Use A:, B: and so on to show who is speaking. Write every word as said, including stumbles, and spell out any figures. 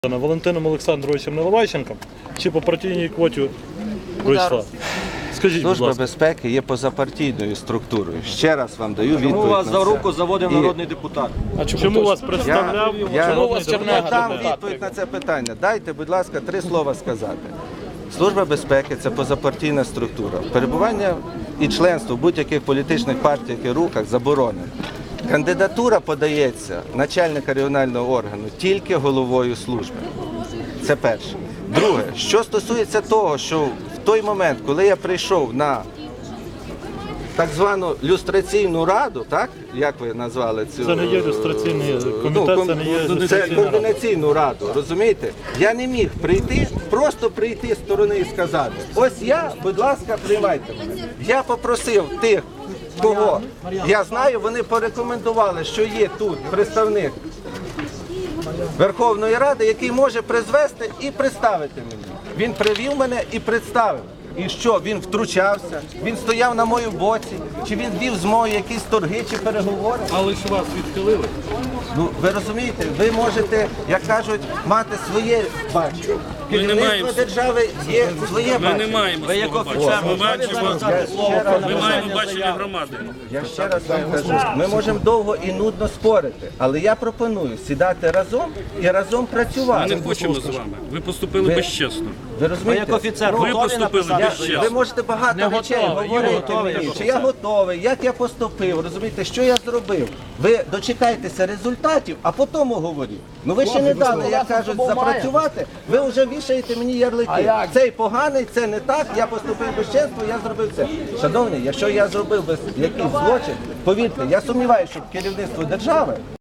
A: Валентином Олександровичем Наливайченком чи по партійній квоті пройшла? Скажіть, будь
B: Служба
A: ласка.
B: безпеки є позапартійною структурою. Ще раз вам даю відповідь.
C: Чому вас
B: на
C: за
B: це.
C: руку заводив
B: І
C: народний депутат?
A: А чому вас представляв?
B: Я, я,
A: Чому вас
B: я
A: Чернега
B: дам
A: депутат?
B: відповідь на це питання. Дайте, будь ласка, три слова сказати. Служба безпеки – це позапартійна структура. Перебування і членство в будь-яких політичних партіях і рухах заборонено. Кандидатура подається начальника регіонального органу тільки головою служби. Це перше. Друге, що стосується того, що в той момент, коли я прийшов на так звану люстраційну раду, так, як ви назвали цю?
A: Це не є люстраційний комітет,
B: Ну,
A: це не є
B: Це
A: люстраційна рада.
B: координаційну раду, розумієте? Я не міг прийти, просто прийти з сторони і сказати, ось я, будь ласка, приймайте мене. Я попросив тих, кого я знаю, вони порекомендували, що є тут представник Верховної Ради, який може призвести і представити мені. Він привів мене і представив. І що, він втручався, він стояв на моєму боці, чи він вів з мною якісь торги чи переговори.
A: Але ж вас відхилили.
B: Ну, ви розумієте, ви можете, як кажуть, мати своє бачення. Керівництво держави є своє
D: Ми не
B: бачення.
D: маємо
C: Ви як
D: свого
C: офіцер,
D: бачення. Ми
C: можете
D: бачимо,
C: сказати слово про
D: ми маємо
C: написання
D: бачення
C: заяви?
D: громади.
B: Я ще раз вам кажу, ми можемо довго і нудно спорити, але я пропоную сідати разом і разом
D: Ми
B: працювати.
D: не хочемо з вами. Ви поступили
B: Ви-
D: безчесно.
B: Ви
C: Ви
B: розумієте?
C: як офіцер
D: Ви
C: готові
D: поступили
C: написати
D: без
C: заяву?
B: Ви можете багато
C: Не
B: речей
C: готовий,
B: говорити
C: не готовий,
B: мені,
C: як
B: чи я готовий, як я поступив, розумієте, що я зробив. Ви дочекайтеся результатів, а потім говоріть. Ну ви ще не дали, як кажуть, запрацювати, ви вже вішаєте мені ярлики. Цей поганий, це не так, я поступив безчесно, я зробив це. Шановні, якщо я зробив без якийсь злочин, повірте, я сумніваюся, що керівництво держави